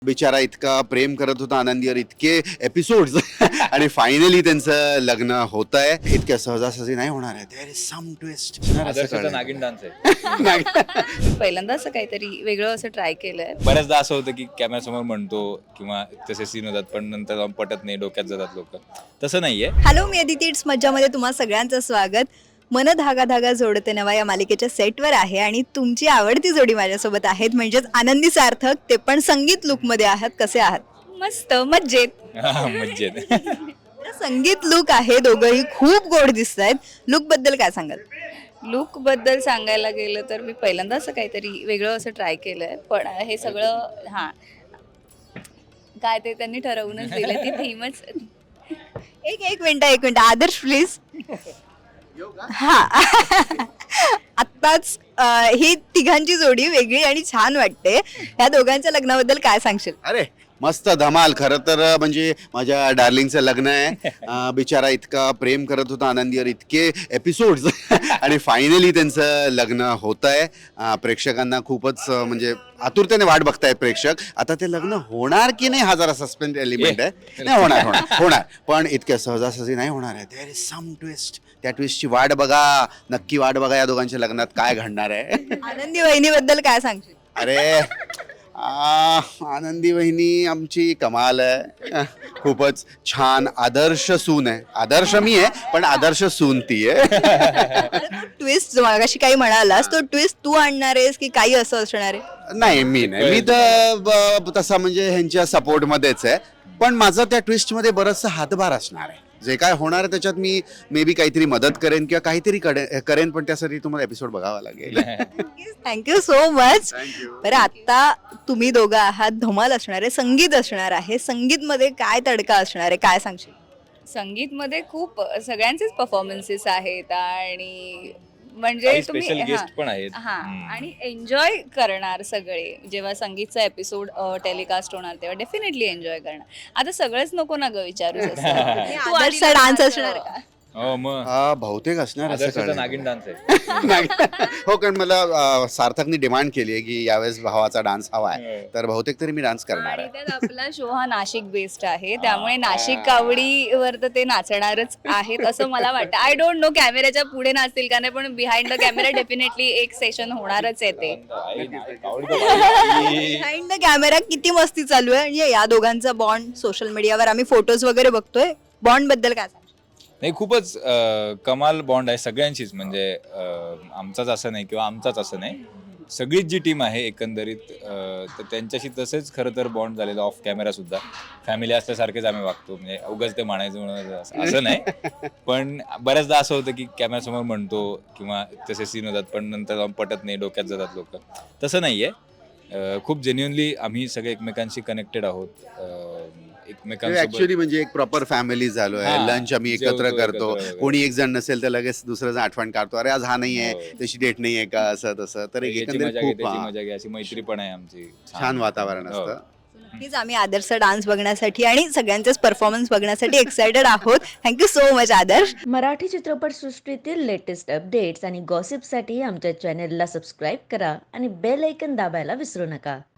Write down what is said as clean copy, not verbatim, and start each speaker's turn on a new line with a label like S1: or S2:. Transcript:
S1: बिचारा इतका प्रेम करत होता आनंदीवर, इतके एपिसोड्स आणि फायनली त्यांचं लग्न होत आहे. इतक्या सहजासहजी नाही होणार आहे. There is some twist.
S2: आदर्शचा नागिन डान्स आहे.
S3: पहिल्यांदा असं काहीतरी वेगळं असं ट्राय केलंय.
S2: बऱ्याचदा असं होतं की कॅमेऱ्यासमोर म्हणतो किंवा तसे सीन होतात पण नंतर जाऊन पटत नाही, डोक्यात जातात लोक. तसं नाहीये.
S3: हॅलो, मी अदिती इट्स मज्जामध्ये तुम्हा सगळ्यांचं स्वागत. मन धागा धागा जोडते नवा या मालिकेच्या सेटवर आहे आणि तुमची आवडती जोडी माझ्यासोबत आहेत, म्हणजेच आनंदी सार्थक. ते पण संगीत लुकमध्ये आहात. कसे आहात? मस्त, मज्जेत.
S2: मज्जेत.
S3: संगीत लुक आहे, दोघंही खूप गोड दिसत आहेत. लुक बद्दल काय सांगाल?
S4: लुक बद्दल सांगायला गेलं तर मी पहिल्यांदा असं काहीतरी वेगळं असं ट्राय केलंय, पण हे सगळं काय ते त्यांनी ठरवूनच दिलं, ती थीमच.
S3: एक मिनिट आदर्श प्लीज. हा आत्ताच ही तिघांची जोडी वेगळी आणि छान वाटते. या दोघांच्या लग्नाबद्दल काय सांगशील?
S1: अरे मस्त धमाल. खरं तर म्हणजे माझ्या डार्लिंगचं लग्न आहे. बिचारा इतका प्रेम करत होता आनंदीवर, इतके एपिसोड्स आणि फायनली त्यांचं लग्न होत आहे. प्रेक्षकांना खूपच म्हणजे आतुरतेने वाट बघतायत प्रेक्षक. आता ते लग्न होणार की नाही हा जरा सस्पेन्स एलिमेंट आहे. नाही होणार पण इतक्या सहजासहजी नाही होणार आहे. There is some twist. त्या ट्विस्टची वाट बघा, नक्की वाट बघा. या दोघांच्या लग्नात काय घडणार आहे.
S3: आनंदी वहिनीबद्दल काय सांगशील?
S1: अरे आनंदी वहिनी आमची कमाल आहे. खूपच छान आदर्श सून आहे. आदर्श मी आहे पण आदर्श सून ती आहे.
S3: ट्विस्ट मागाशी काही म्हणालास, तो ट्विस्ट तू आणणार आहेस की काही असं असणार आहे?
S1: नाही मी तर तसा म्हणजे ह्यांच्या सपोर्ट मध्येच आहे, पण माझं त्या ट्विस्ट मध्ये बरचसा हातभार असणार आहे. जे काय होणार आहे त्याच्यात मी मे बी काहीतरी मदत करेन किंवा काहीतरी करेन, पण त्यासाठी तुम्हाला एपिसोड बघावा लागेल.
S3: Thank you so much. बरं, आता तुम्ही दोघं आहात, धमाल असणार आहे, संगीत असणार आहे. संगीत मध्ये काय तडका असणार आहे, काय सांगशील?
S4: संगीतमध्ये खूप सगळ्यांचेच परफॉर्मन्सेस आहेत आणि म्हणजे तुम्ही
S2: स्पेशल गेस्ट पण आहेत.
S4: आणि एन्जॉय करणार सगळे. जेव्हा संगीतचा एपिसोड टेलिकास्ट होणार तेव्हा डेफिनेटली एन्जॉय करणार. आता सगळंच नको ना ग विचारू.
S3: आदर्शचा डान्स असणार का?
S2: हो मग
S1: बहुतेक असणार असं
S2: आदर्शचा
S1: कळलं.
S2: नागिन डान्स आहे.
S1: हो, कारण मला सार्थकनी डिमांड केली आहे की यावेळेस भावाचा डान्स हवा आहे, तर बहुतेक तरी मी डान्स करणार
S4: आणि
S1: आहे.
S4: त्यात आपला शो हा नाशिक बेस्ड आहे, त्यामुळे नाशिक कावडीवर तर ते नाचणारच आहेत असं मला वाटतं. आय डोंट नो कॅमेऱ्याच्या पुढे नाचतील का नाही, पण बिहाइंड द कॅमेरा डेफिनेटली एक सेशन होणारच आहे ते.
S3: बिहाइंड द कॅमेरा किती मस्ती चालू आहे. म्हणजे या दोघांचा बॉन्ड सोशल मीडियावर आम्ही फोटोज वगैरे बघतोय. बॉन्ड बद्दल काय सांगशील?
S2: नाही, खूपच कमाल बॉन्ड आहे सगळ्यांचीच. म्हणजे आमचाच असं नाही किंवा आमचाच असं नाही, सगळीच जी टीम आहे एकंदरीत तर त्यांच्याशी तसेच खरं तर बॉन्ड झालेलं. ऑफ कॅमेरा सुद्धा फॅमिली असल्यासारखेच आम्ही वागतो. म्हणजे उगाच ते म्हणायचं म्हणून असं नाही, पण बऱ्याचदा असं होतं की कॅमेऱ्यासमोर म्हणतो किंवा तसे सीन होतात पण नंतर जाऊन पटत नाही, डोक्यात जातात लोक. तसं नाहीये. खूप जेन्युअनली आम्ही सगळे एकमेकांशी कनेक्टेड आहोत.
S1: ऍक्च्युली म्हणजे एक प्रॉपर फॅमिली झालो आहे. लंच आम्ही एकत्र करतो. कोणी एक जण नसेल तर लगेच दुसरं जण आठवण काढतो, अरे आज हा नाहीये, त्याची डेट नाहीये का, असं तसं. तर एकंदरीत खूप
S2: मजा घ्या, अशी मैत्री पण आहे आमची.
S1: छान वातावरण असतं.
S3: नक्कीच आम्ही आदर्शचा डान्स बघण्यासाठी आणि सगळ्यांचेच परफॉर्मन्स बघण्यासाठी एक्सायटेड आहोत. Thank you so much Adarsh.
S5: Marathi चित्रपटसृष्टीतील लेटेस्ट अपडेट्स आणि गॉसिपसाठी आमच्या चॅनेलला सबस्क्राईब करा आणि बेल ऐकन दाबायला विसरू नका.